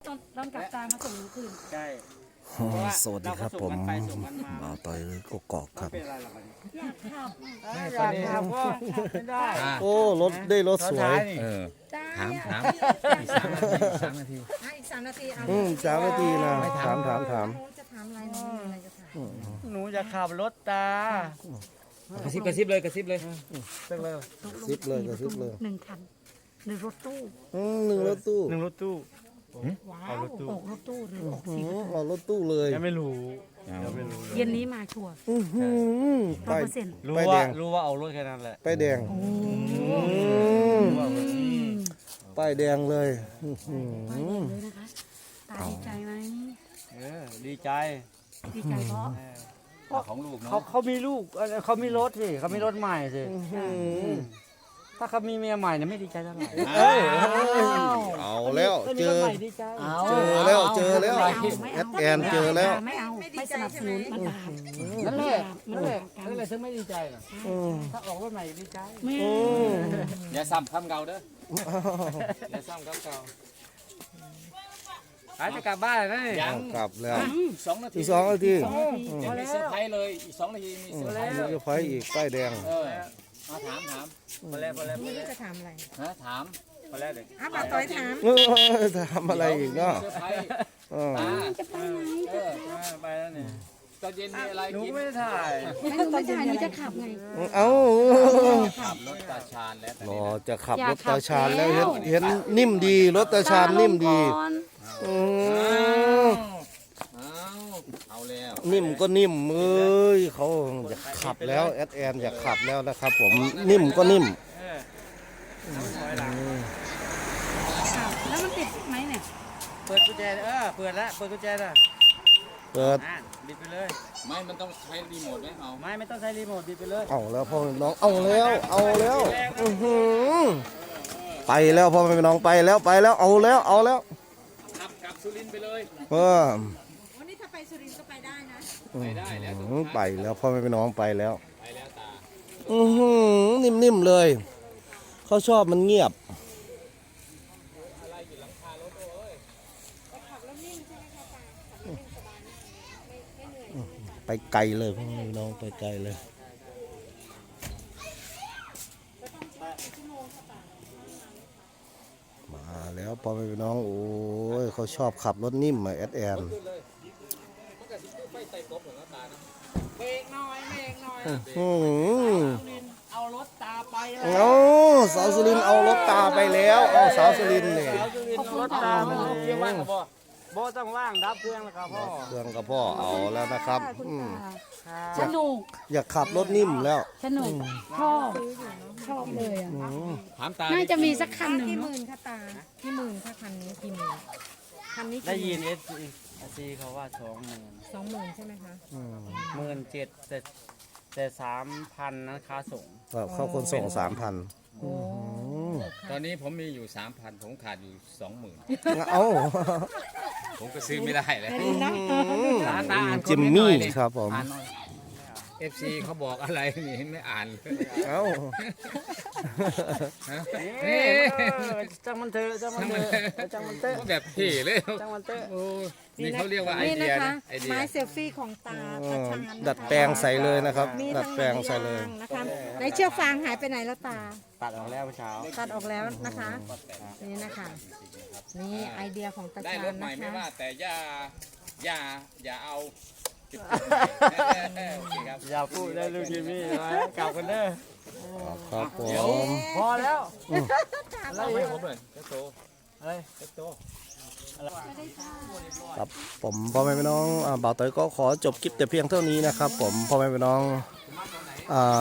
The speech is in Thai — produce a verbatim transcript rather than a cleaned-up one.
ตอนตอนกลับตามาส่งหนูคืนใช่สวัสดีครับผมบ่าวต่อยกกอกครับเป็นอะไรหรอกอันนี้อยากขับอยากขับก็ไม่ได้โอ้รถได้รถสวยเออจ้าถามถามอีอีกสามนาทีสามนาทีกสามนาทีเอาอืมสามนาทีนะถามถามถามน้องจะถามอะไรน้องมีอะไรจะถามหนูจะขับรถตากระซิบกระซิบเลยกระซิบเลยเลิกเลยซิปเลยก็ซิปเลยหนึ่งคันหนึ่งรถตู้อืมหนึ่งรถตู้หนึ่งรถตู้ว้าเอาวรถตู้ออกรถตู้หรือออกอืสี่มเอารถตู้เลยยังไม่รู้ยังไม่รู้เย็นนี้มาชัวร์อื้อหือร้อยป้ายเปอร์เซ็นต์รู้ป้ายแดว่าง รู้ว่าเอารถแค่นั้นแหละป้ายแดงโอ้อืมป้ายแดงเลยอื้อหืไปอเลยนะคะตาดีใจไหมเออดีใจดีใจเพราะเออของลูกเขาเนาะเขามีลูกเออเขามีรถสิเขามีรถใหม่สิอื้อหือถ้าเขามีเมียใหม่เนี่ยไม่ดีใจเท่าไหร่เอ้ยเอาแล้วเจอมีรถใหม่ดีใจเจอแล้วเจอแล้วไม่เอาไม่แอเอาดแอนเจอแล้วไม่เอาไม่สนับสนุนมันบาปนั่นแหละมันั่นนแหบาละปกันนั่นแหละฉันไม่ดีใจหรอกอืมถ้าออกรถใหม่ดีใจไม่อืมอย่าซ้ำคำเก่าเด้ออย่าซ้ำคำเก่าอาจจะกลับบ้านแล้วนี่ยังกลับแล้วสองนาทีอีกสองนาทียังมีเซอร์ไพรส์เลยอีกสองนาทีมีเซอร์ไพรส์มีจะไฟอีกป้ายแดงเออมาถามถามพอแล้วพอแล้วพอนี่แล้วจะถามอะไรฮะถามพอแล้วเลยอ้าวป้าต้อยถามเออทำอะไรอีกเนาะเซอร์ไพรส์เออตาจะไปไหนเอออ่าไปแล้วนี่ตอนเย็นมีอะไรหนูกินไม่ได้ถ่ายไม่รู้ไม่ใช่หนูจะขับไงเอ้าขับรถตาชาญแล้วตอนรนี้อนะจะขับอยาร กถขัตาบชาญแล้วแล้เห็นวเห็นนิ่มดีรถตาชาญนิ่มดีก่อนอืมเอาเอาแล้วนิ่มก็นิ่มเอ้ยเขาอยากขับแล้วแอดแอนอยากขับแล้วนะครับ ผมนิ่มก็นิ่มเออถอยหลังอ้าวแล้วมันติดไหมเนี่ยเปิดกุญแจเออเปิดแล้วเปิดกุญแจแล้วเปิดอ่ะบิดไปเลยไม่มันต้องใช้รีโมทไหมเอาไม่ไม่ต้องใช้รีโมทบิดไปเลยเอาแล้วพ่อแม่พี่น้องเอาแล้วเอาแล้วอื้อหือไปแล้วพ่อแม่พี่น้องไปแล้วไปแล้วเอาแล้วเอาแล้วขับกลับสุรินทร์ไปเลยเออวันนี้ถ้าไปสุรินทร์ก็ไปได้นะไปได้แล้วอืมไปแล้วพ่อแม่พี่น้องไปแล้วไปแล้วตาอือหือนิ่มๆเลยเขาชอบมันเงียบไปไกลเลยพ่อแม่พี่น้องไปไกลเลย มาแล้วพ่อแม่พี่น้องโอ้ยเขาชอบขับรถนิ่มมาแอดแอนมันก็สิไปไต่กบเหมือนตานะเบรกหน่อยเบรกหน่อยอืมเอารถตาไปแล้วเอาสาวสุรินทร์เอารถตาไปแล้วเอาสาวสุรินทร์เนี่ยเอารถตาไปเอาเครื่องว่างกับบ่บ่ต้องว่างดับเครื่องแล้วครับพ่อเครื่องกับพ่อเอาแล้วนะครับคุณอืมตาสนุกอยากขับรถนิ่มแล้วสนุกชอบชอบเลยอ่ะถามตาน่าจะมีสักคันหนึ่งกี่หเนาะมื่นค่ะตากี่หมื่นค่ะคันนี้กี่หมื่นคันนี้ได้กี่หยิมื่นเอสซีเขาว่าสองหมื่นสองหมื่นใช่ไหมคะอืมหมื่นเจ็ดแต่แต่สามพันนะค่าส่งก็เข้าคนส่งสามพันโอ้ตอนนี้ผมมีอยู่สามพันผมขาดอยู่สองหมื่นเอาผมก็ซื้อไม่ได้เลยตาตาอ่านจิมมี่ครับผมอ่านหน่อยเอฟซีเขาบอกอะไรนี่ไม่อ่านเลยเอาฮะเอ้นี่ยจังมันเถอะจังมันเถอะจังมันเถอะแบบเท่เลยจังมันเถอะโอ้นี่เขาเรียกว่าไอนี่เดีนะยคะนะไอเดียไม้เซลฟี่ของตาตาชาญนะคะดัดแปลงใส่เลยนะครับมีดัดทั้งแปลงใส่เลยหนังยางนะคะในเชือกฟางหายไปไหนแล้วตาตัดออกแล้วเมื่อเช้าตัดออกแล้วนะคะ นี่นะคะ นี่ไอเดียของตาได้ชารถญใหม่นะไม่คะว่าแต่อย่าอย่าอย่าเอาจุดโอเคครับอย่าพูดได้ลูกจิมมี่นะกลับกันเด้อครับผมพอแล้วเล่าให้ผมหน่อยเจ้าโตอะไรเจ้าโตครับผมพ่อแม่พี่น้องอ่าบ่าวเตยก็ขอจบคลิปแต่เพียงเท่านี้นะครับ ผมพ่อแม่พี่น้องอ่า